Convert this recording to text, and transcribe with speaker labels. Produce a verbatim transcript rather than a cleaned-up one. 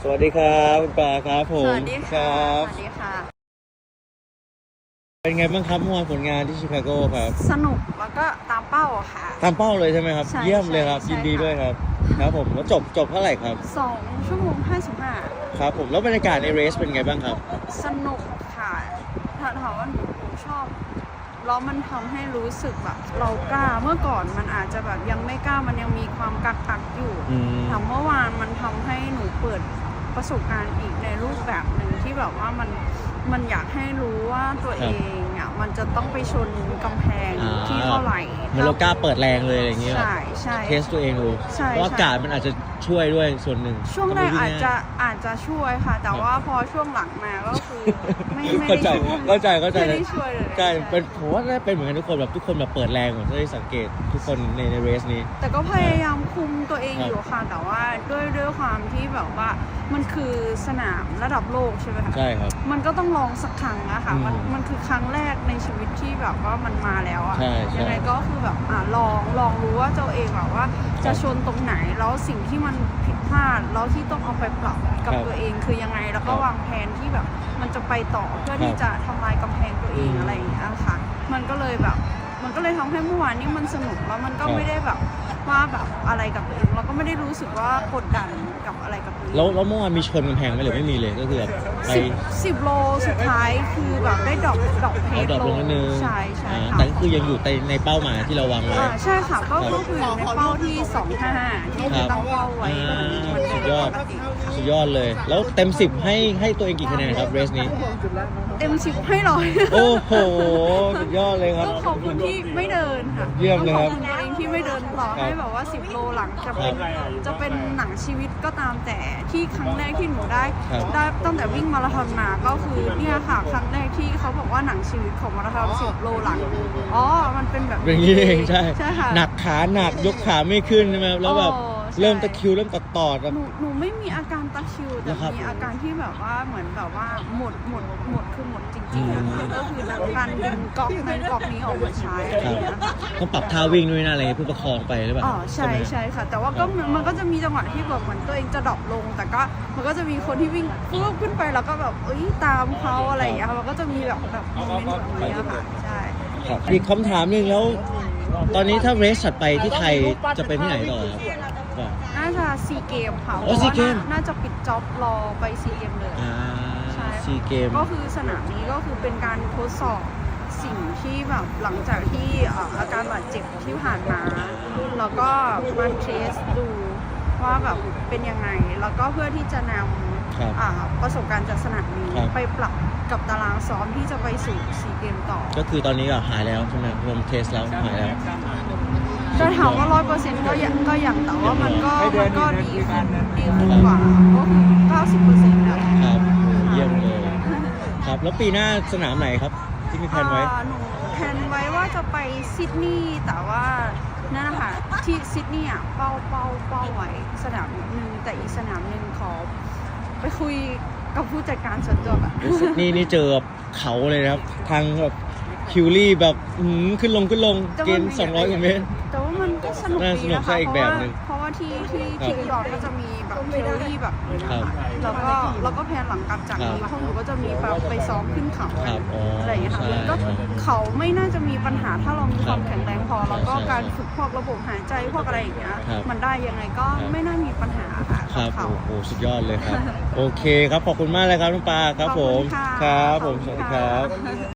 Speaker 1: วัสดีครับคุณปลาครับผ
Speaker 2: ส
Speaker 1: ม
Speaker 2: วัสดี
Speaker 1: ค
Speaker 2: ค่ะ
Speaker 1: รับ
Speaker 2: สวัสดีค่ะ
Speaker 1: เป็นไงบ้างครับเมื่อวานผลงานที่ชิคาโกครับ
Speaker 2: สนุกแล้วก็ตามเป้าอะค่ะ
Speaker 1: ตามเป้าเลยใช่ไหมครับ
Speaker 2: ใช่
Speaker 1: เยี่ยมเลยครับ
Speaker 2: ใช่
Speaker 1: ยินดี
Speaker 2: ค่ะ
Speaker 1: ด้วยครับครับผมแล้วจบจบเท่าไหร่ครับ
Speaker 2: สองชั่วโมงห้าสิบห้า
Speaker 1: ครับผมแล้วบรรยากาศในเรสเป็นไงบ้างครับ
Speaker 2: สนุกค่ะถ้าถามว่าหนูชอบแล้วมันทำให้รู้สึกแบบเรากล้าเมื่อก่อนมันอาจจะแบบยังไม่กล้ามันยังมีความกักกักๆอยู่
Speaker 1: อืม
Speaker 2: แต่เมื่อวานมันทำให้หนูเปิดประสบการณ์อีกในรูปแบบหนึ่งที่แบบว่ามันมันอยากให้รู้ว่าตัวเองอ่ะมันจะต้องไปชนกำแพง
Speaker 1: อ่า
Speaker 2: ที่เท่าไหร่
Speaker 1: เหมันเรากล้าเปิดแรงเลยอะไรอย่างเงี้ย
Speaker 2: ใช่ใช่
Speaker 1: เทสตัวเองดู
Speaker 2: ใช่
Speaker 1: เพราะอากาศมันอาจจะช่วยด้วยส่วนหนึ่ง
Speaker 2: ช่วงแรก
Speaker 1: ไม่
Speaker 2: อาจ
Speaker 1: แน่
Speaker 2: จะอาจจะช่วยค่ะ แต่ว่าพอช่วงหลังมาก็คือไม่ไม่
Speaker 1: เข้า
Speaker 2: ได้
Speaker 1: ใจ
Speaker 2: ช่วย
Speaker 1: เข้าใจเข้าใจ
Speaker 2: ไม่ได้ช่วยเลย
Speaker 1: ใช่เป็นผมว่าได้เป็นเหมือนกันทุกคนแบบทุกคนแบบเปิดแรงหมดได้สังเกตทุกคนในในเรสนี้
Speaker 2: แต่ก็พยายามคุมตัวเอง
Speaker 1: ครับ
Speaker 2: อยู่ค่ะ แต่ว่าด้วยด้วยความที่แบบว่ามันคือสนามระดับโลกใช่ไหมคะ
Speaker 1: ใช่ครับ
Speaker 2: มันก็ต้องลองสักครั้งอะค่ะ
Speaker 1: อืม
Speaker 2: มันมันคือครั้งแรกในชีวิตที่แบบว่ามันมาแล้วอะ
Speaker 1: ใช่ใช่
Speaker 2: ยังไงก็คือแบบอ่ะลองลองรู้ว่าตัวเองแบบว่า
Speaker 1: ครั
Speaker 2: จะ
Speaker 1: บ
Speaker 2: ชนตรงไหนแล้วสิ่งที่มันผิดพลาดแล้วที่ต้องเอาไปปรับกับ
Speaker 1: ครับ
Speaker 2: ตัวเองคือยังไงแล้วก็
Speaker 1: ครับ
Speaker 2: วางแผนที่แบบมันจะไปต่อเพื่อ
Speaker 1: ครับ
Speaker 2: ที่จะทำลายกำแพงตัวเอง
Speaker 1: อืม
Speaker 2: อะไรอย่างเงี้ยค่ะ มันก็เลยแบบ มันก็เลยทำให้เมื่อวานนี้มันสนุกแล้วมันก็
Speaker 1: ครับ
Speaker 2: ไม่ได้แบบว่าแบบอะไรกับตัวเองเราก็ไม่ได้รู้สึกว่ากดดันกับอะไรกับตัวเอง
Speaker 1: แล้วแล้วเมื่อวานมีชนกำแพงไหมหรือไม่มีเลยก็คือแบบไป
Speaker 2: สิบสิบโลสุดท้ายคือแบบได้ดรอปดรอปเพ
Speaker 1: เอา
Speaker 2: จ
Speaker 1: ดรอปลงนิดนึง
Speaker 2: ใช่ใช่
Speaker 1: อ่า
Speaker 2: ค่ะ
Speaker 1: แต่ก็คือยังอยู่ในในเป้าหมายที่เราวางไว้
Speaker 2: อ่าใช่ค่ะก็
Speaker 1: ครับ
Speaker 2: ก็คืออยู่ในเป้าที่สองห้าที่
Speaker 1: ครั
Speaker 2: คือบ ตั้งเป้าไว้
Speaker 1: อ่า
Speaker 2: มันเป็น
Speaker 1: สุดยอด
Speaker 2: ปกติ
Speaker 1: สุดยอดเลย แล้วเต็มสิบให้ให้ตัวเองกี่คะแนนครับเรสนี้
Speaker 2: เต็มสิบให้ร้อย
Speaker 1: โอ้โหสุดยอดเลยครับ
Speaker 2: ก็ขอบคุณที่ไม่เดินค่ะ
Speaker 1: เยี่ยมเลยครับ
Speaker 2: ก็ขอบคุณตัวเองที่ไม่เดินต่อ
Speaker 1: ครับ
Speaker 2: ให้แบบว่าสิบโลหลังจะเป็น
Speaker 1: ครับ
Speaker 2: จะเป็นหนังชีวิตก็ตามแต่ที่ครั้งแรกที่หนูได้
Speaker 1: ครับ
Speaker 2: ได้ตั้งแต่วิ่งมาราธอนมาก็คือเนี่ยค่ะครั้งแรกที่เขาบอกว่าหนังชีวิตของมาราธอนสิบโลหลังอ๋อมันเป็นแบบ
Speaker 1: อย่างนี้เองใช่
Speaker 2: ใช่ค่ะ
Speaker 1: หนักขาหนักยกขาไม่ขึ้นใช่ไหมครับแล้วแบบ
Speaker 2: โอ้ใช่
Speaker 1: เริ่มตะคริวเริ่มตอดตอดๆแบบ
Speaker 2: หนูหนูไม่มีอาการตะคริวแต่
Speaker 1: นะครับ
Speaker 2: มีอาการที่แบบว่าเหมือนแบบว่าหมดหมดหมดคือหมดจริงๆอะ
Speaker 1: อืม
Speaker 2: ก็คือนักการดึงก๊อกนั้นก๊อกนี้ออกมาใช้อะไร
Speaker 1: ค
Speaker 2: อ
Speaker 1: รับ
Speaker 2: ย่างเงี้ยค่ะ
Speaker 1: ต้องปรับท่าวิ่งด้วยนะอะไรเงี้ยเพื่อประคองไปหรือเปล่า
Speaker 2: อ๋อใช่
Speaker 1: ไหม
Speaker 2: ใช่ค่ะ แต่ว่าก็มันมันก็จะมีจังหวะที่แบบเหมือนตัวเองจะดรอปลง แต่ก็มันก็จะมีคนที่วิ่งปุ๊บขึ้นไปแล้วก็แบบเอ้ยตามเขาอะไรอย่างเงี้ยค่ะมันก็จะมีแบบแบบโมเมนต์แบบนี้อะค่ะใช่
Speaker 1: ครับอีกคำถามหนึ่งแล้ว ตอนนี้ถ้าเรสถัดไปที่ไทยจะเป็นที่ไหนต่อครับว่า
Speaker 2: น่าจะซีเกมค่ะ
Speaker 1: โอ้ SEA
Speaker 2: พราะว่า
Speaker 1: Games
Speaker 2: น่าจะปิดจ็อบรอไปซีเกมเลย
Speaker 1: อ่า
Speaker 2: ใช่
Speaker 1: ซีเกม
Speaker 2: ก็คือสนามนี้ก็คือเป็นการทดสอบสิ่งที่แบบหลังจากที่เอ่ออาการบาดเจ็บที่ผ่านมา แล้วก็มาเทสดูว่าแบบเป็นยังไง แล้วก็เพื่อที่จะน
Speaker 1: ครับ
Speaker 2: ำอ่าประสบการณ์จากสนามนี้
Speaker 1: ครับ
Speaker 2: ไปปรับกับตารางซ้อมที่จะไปสู่ซีเกมต่อ
Speaker 1: ก็คือตอนนี้ก็หายแล้วใช่ไหมรวมเทสแล้วหายแล้ว
Speaker 2: จะถามว่าร้อยเปอร์เซ็นต์ก็ยังก็ยังแต่ว่ามันก็มันก็ดีขึ้นดีขึ้นกว่าก็คือเก้าสิบเปอร์เซ็นต์แล้ว
Speaker 1: ครับเยี่ยมเลยครับแล้วปีหน้าสนามไหนครับ ที่มีแผนไว้
Speaker 2: อ่าหนูแพลนไว้ว่าจะไปซิดนีย์แต่ว่านั่นนะคะที่ซิดนีย์อ่ะเป้าเป้าเป้าไว้สนามหนึ่งแต่อีกสนามหนึ่งขอไปคุยกับผู้จัดการส่วนตัวแบบ
Speaker 1: นี่นี่เจอแบบเขาเลยนะครับ ทางแบบคิวรี่แบบอื้อหือขึ้นลงขึ้นลงเกณฑ์สองร้อยกว่าเมตร
Speaker 2: แต่ว่ามันก็สนุก
Speaker 1: น่าส
Speaker 2: ดี
Speaker 1: นุก
Speaker 2: นะ
Speaker 1: ใช่
Speaker 2: คะ
Speaker 1: อีก
Speaker 2: เพราะ
Speaker 1: แบบ
Speaker 2: ว่า
Speaker 1: หนึ่ง
Speaker 2: เพราะว่าที่ที่
Speaker 1: ครับ
Speaker 2: ที่อุดรก็จะมีแบบเทอรี่แบบนี้นะ
Speaker 1: ครั
Speaker 2: คะ
Speaker 1: บ
Speaker 2: แล้วก็แล้วก็แพลนหลังกลับจาก
Speaker 1: ครับ
Speaker 2: นี้พวกหนูก็จะมีแบบไปซ้อมขึ้นเขา
Speaker 1: ครับอ๋ออ
Speaker 2: อะไรอย่างเงี้ยค่ะ
Speaker 1: ใช่
Speaker 2: มันก็เขาไม่น่าจะมีปัญหาถ้าเรามีความ
Speaker 1: ครับ
Speaker 2: แข็งแรงพอ แล้วก็
Speaker 1: ใช่ใช่
Speaker 2: การฝึกพวกระบบหายใจพวกอะไรอย่างเงี้ย
Speaker 1: ครับ
Speaker 2: มันได้ยังไงก็
Speaker 1: ครับ
Speaker 2: ไม่น่ามีปัญหาค่ะ
Speaker 1: ครับ
Speaker 2: กับเขา
Speaker 1: โอ้โหสุดยอดเลยครับ โอเคครับ ขอบคุณมากเลยครับน้องปลาครับ
Speaker 2: ขอบ
Speaker 1: ผ
Speaker 2: คุ
Speaker 1: ม
Speaker 2: ณค่ะ
Speaker 1: ครับผม
Speaker 2: ขอบ
Speaker 1: ส
Speaker 2: คุ
Speaker 1: วัส
Speaker 2: ณ
Speaker 1: ดี
Speaker 2: ค่ะ
Speaker 1: ครับ